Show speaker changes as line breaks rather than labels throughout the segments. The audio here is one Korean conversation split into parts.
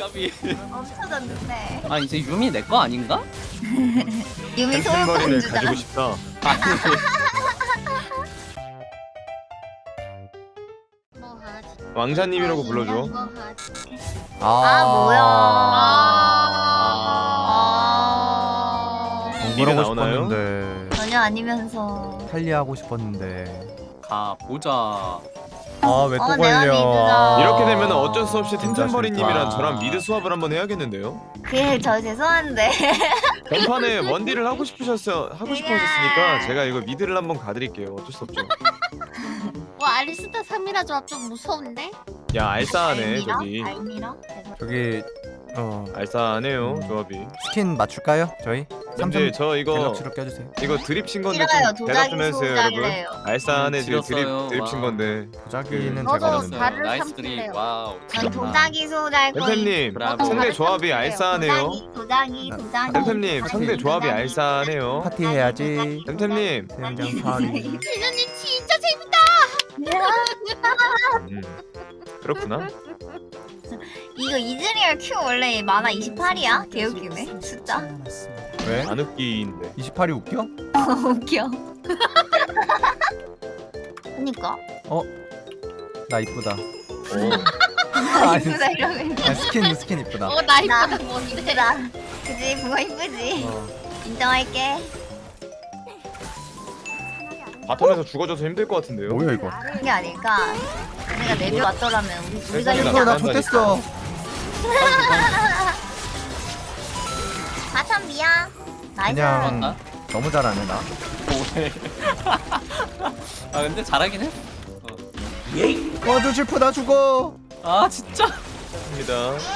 까비.
없어졌는데.
아 이제 유미 내 거 아닌가?
유미
템템버린을
소유권주자.
가지고 싶다.
뭐 하지?
왕자님이라고 불러줘.
뭐 하지?
아 뭐야.
미래
공부하고
나오나요?
싶었는데
전혀 아니면서.
탈리하고 싶었는데
가 보자.
아 왜 또
내가
걸려
미드다.
이렇게 되면 어쩔 수 없이
진짜
템템버린님이랑
싫다.
저랑 미드 수합을 한번 해야겠는데요?
그게 저 죄송한데.
전판에 원딜을 하고 싶으셨으니까 제가 이거 미드를 한번 가드릴게요. 어쩔 수 없죠.
와 알리스타 3이라 조합 좀 무서운데?
야 알싸하네 저기.
알미라?
저기
알싸하네요 조합이.
스킨 맞출까요 저희?
근데 저 이거
갤럭시로 껴주세요.
드립 친 건데
싫어요.
좀 대답
도자기
좀 해주세요 여러분.
소자래요.
알싸하네 지금
지렸어요.
드립 친
와.
건데.
도자기는
너도
제가
잘-
없는데
다른
나이스
삼킬래요.
드립. 와우.
전 도자기 소잘 거예요.
템템님
브라보.
상대 조합이 알싸하네요.
도자기.
템템님 상대 조합이 알싸하네요.
파티 해야지.
템템님.
생장 파리.
진우님 진짜 재밌다.
그렇구나.
이거 이즈리얼 Q 원래 만화 28이야? 개웃기네 숫자.
왜?
안 웃기인데.
28이 웃겨?
웃겨. 그니까.
나 이쁘다.
오.
이쁘다 이러면
아, 스킨 이쁘다.
나 이쁘다
나
뭔데?
이쁘다. 그지? 붕어 이쁘지? 인정할게.
바텀에서 죽어줘서 힘들 것 같은데요.
뭐야 이거?
그게 아닐까. 내가 내비 왔더라면 우리가
세상에
이렇게
이거 나
안
좋댔어.
바텀 미야. 나이스.
그냥
맞나?
너무 잘하네 나.
오해. 아 근데 잘하긴 해.
와줘 실프 나 죽어.
아 진짜.
입니다.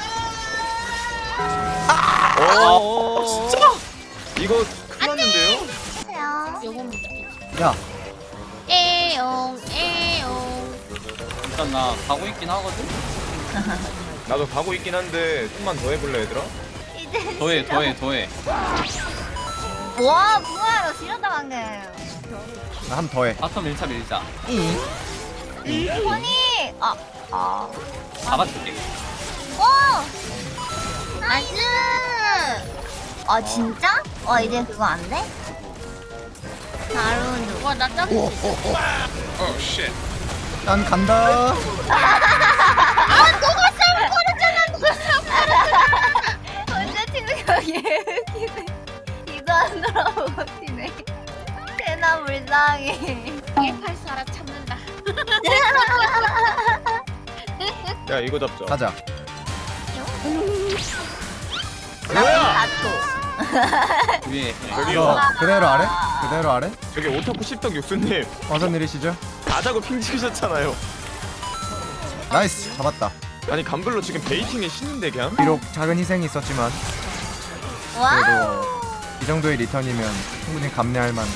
아
진짜? 이거 큰일 났는데요?
안녕.
요건
야
에용 에용.
일단 나 가고 있긴 하거든.
나도 가고 있긴 한데 좀만 더 해볼래 얘들아?
이제
더해.
와 붕어야 너 지렸다 방금.
나 한 번 더 해.
바텀 밀자.
손이 아.
잡아줄게.
오! 나이스! 아 진짜? 이제 그거 안 돼? 다룬
와나 짱.
난 간다.
혼자 치는 거 예웃기네. 이도 안 돌아보고 튀네. 대나 불쌍해.
일팔수 알아 참는다.
야 이거 잡자.
가자.
뭐야?
위에.
이거 그대로 아래? 그대로 아래?
저기 오타쿠 십덕 육수님
어서 내리시죠.
가자고 핑 찍으셨잖아요.
나이스 잡았다.
아니 감블로 지금 베이팅에 신인데 그냥?
비록 작은 희생이 있었지만
와우!
그래도 이 정도의 리턴이면 충분히 감내할 만.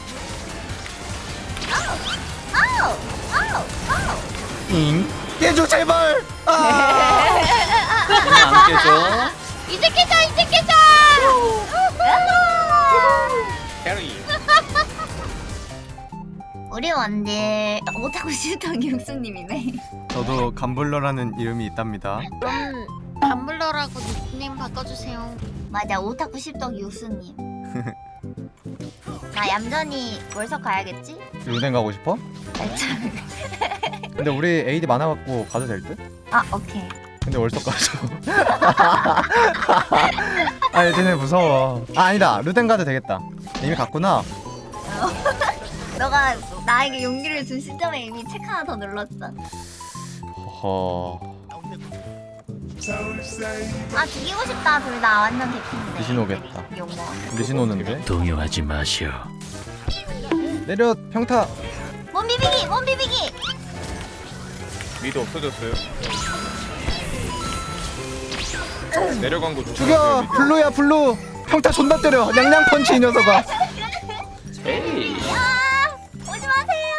아우! 아우! 아우!
잉 깨줘 제발. 아!
안 깨져.
이제 깨자.
캐리.
우리 원딜 못하고 싶던 육수님이네.
저도 감블러라는 이름이 있답니다.
그럼 감블러라고 닉네임 바꿔주세요.
맞아 오타쿠 십덕 육수님. 나 얌전히 월석 가야겠지?
루덴 가고 싶어?
살짝.
근데 우리 AD 많아갖고 가도 될 듯?
오케이.
근데 월석 가죠. 아니 쟤네 무서워. 아니다 루덴 가도 되겠다. 이미 갔구나.
너가 나에게 용기를 준 시점에 이미 책 하나 더 눌렀어.
허.
죽이고 싶다 둘 다 완전 개핀데.
리신 오겠다.
용모.
리신 오는데.
동요하지 마시오.
내려 평타.
몸 비비기! 몸 비비기!
미드 없어졌어요. 내려간 거
죽여 블루야 블루. 평타 존나 때려. 냥냥 펀치 이 녀석아.
에이.
오지 마세요!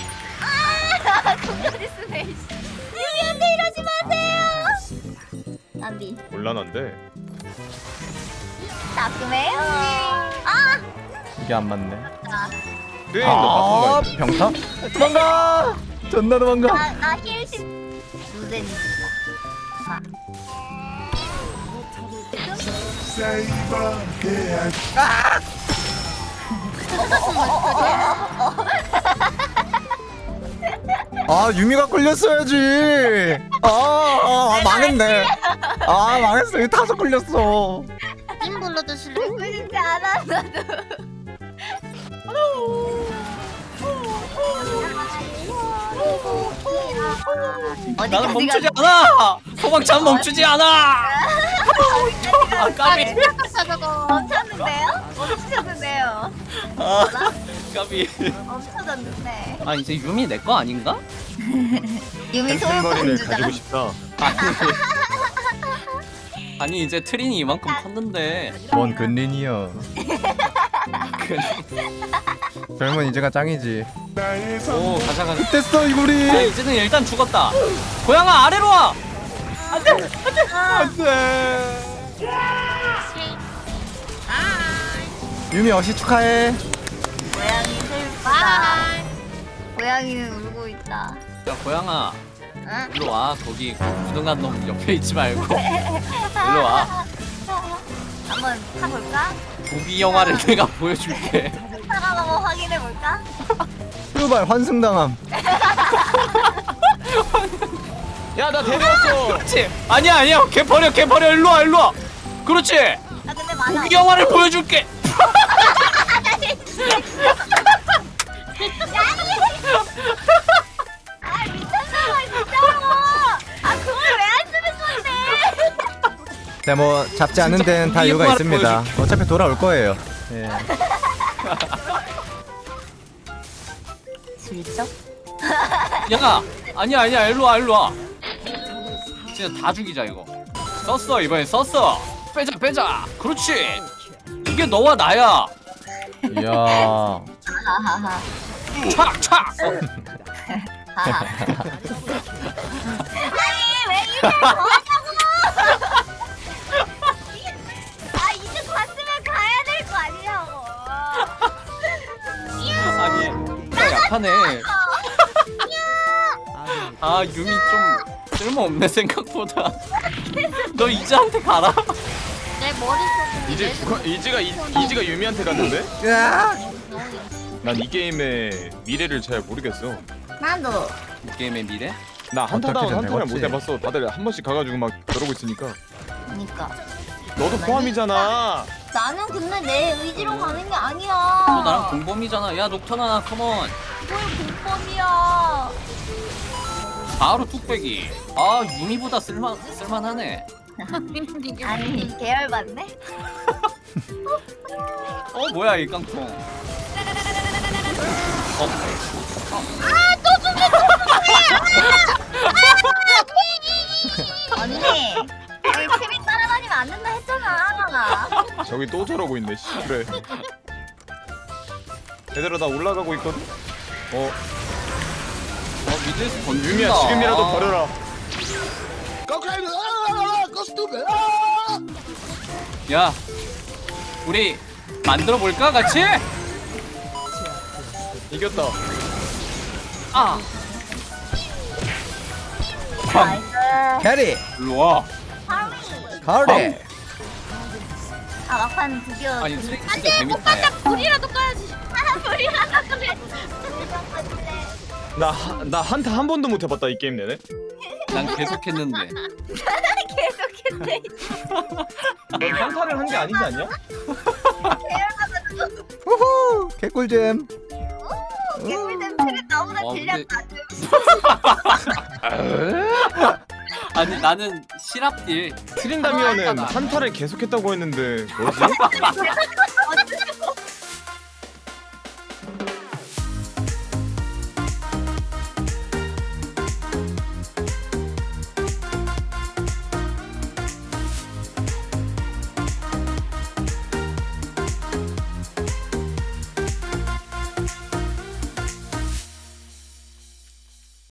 공격이 쓰네. 유리한테 이러지 마세요! 나비.
곤란한데.
따끔해요.
이게 안 맞네.
네, 너 바쁜가?
평타? 도망가. 존나 도망가.
나 힐십. 루덴이다.
아 유미가 끌렸어야지. 망했네. 망했어. 이거 타서 끌렸어.
님 불러주실래요?
끌리지 않아 나도.
나는 멈추지 않아. 소방차는 멈추지 않아. 아 까비.
생각했어 저거.
멈췄는데요? 멈추셨는데요?
아 까비.
멈춰졌는데.
아 이제 유미 내 거 아닌가?
유미
템템머리를
소유권
가지고
주자.
싶다.
아니 이제 트린이 이만큼 컸는데.
뭔 근린이여. 젊은 이제가 짱이지.
오 가자 가자.
됐어 이구리.
야 이제는 일단 죽었다. 고양아 아래로 와. 안돼.
유미 어시 축하해.
고양이 슬프다. 고양이는 울고 있다.
야 고양아
응?
일로 와. 거기 무능한 놈 옆에 있지 말고 일로 와.
한번 타볼까?
부비 영화를 내가 보여줄게.
타가 한번 확인해볼까?
후발 환승당함.
야 나 데려왔어.
그렇지. 아니야 걔 버려 일로 와 일로 와. 그렇지.
아 근데 많아.
부비 영화를 보여줄게.
아 미쳤나봐 진짜로. 아 그걸 왜 안 쓰는 건데?
네, 뭐 잡지 않는 데는 다 이유가 있습니다. 어차피 돌아올 거예요. 예.
슬쩍?
야 아니야 일로 와. 진짜 다 죽이자 이거. 썼어 이번엔 썼어. 빼자. 그렇지. 이게 너와 나야.
이야.
하하하.
착.
하하. 아니 왜 이걸 뭐하냐고? 아 이제 갔으면 가야 될 거 아니냐고.
아니 진짜 약하네. 아 유미 좀 쓸모없네 생각보다. 너 이자한테 가라.
내 머릿속에
이지가 유미한테 갔는데?
으아!
난 이 게임의 미래를 잘 모르겠어.
나도.
이 게임의 미래?
나 한타다운
어떻게든
한타를 못
되겠지.
해봤어. 다들 한 번씩 가가지고 막 그러고 있으니까.
그니까.
너도 포함이잖아.
나는 근데 내 의지로 가는 게 아니야.
너 나랑 공범이잖아. 야 녹턴아 컴온.
뭘 공범이야.
바로 뚝배기. 아 유미보다 쓸만하네.
아니 계열받네.
뭐야 이 깡통.
언니 여기 트림 따라다니면 안 된다 했잖아.
저기 또 저러고 있네. 씨, 그래. 얘들아 나 올라가고 있거든.
미드에서 건진다.
유미야 지금이라도 버려라.
야 우리 만들어 볼까 같이?
이겼다.
아
나이스.
캐리.
일로 와.
가을이.
아 막판 드디어.
아니 트릭 진짜 재밌다. 야.
불이라도 꺼야지.
소리가 그래.
나 한타 한 번도 못 해봤다 이 게임 내내.
난 계속했는데.
계속했네.
넌 한타를 한 게 아니지 않냐?
우후. 개꿀잼.
개꿀잼 트림 너무나
어,
질렸다.
아니 나는 실합딜.
트린다미언은 한타를 계속했다고 했는데 뭐지?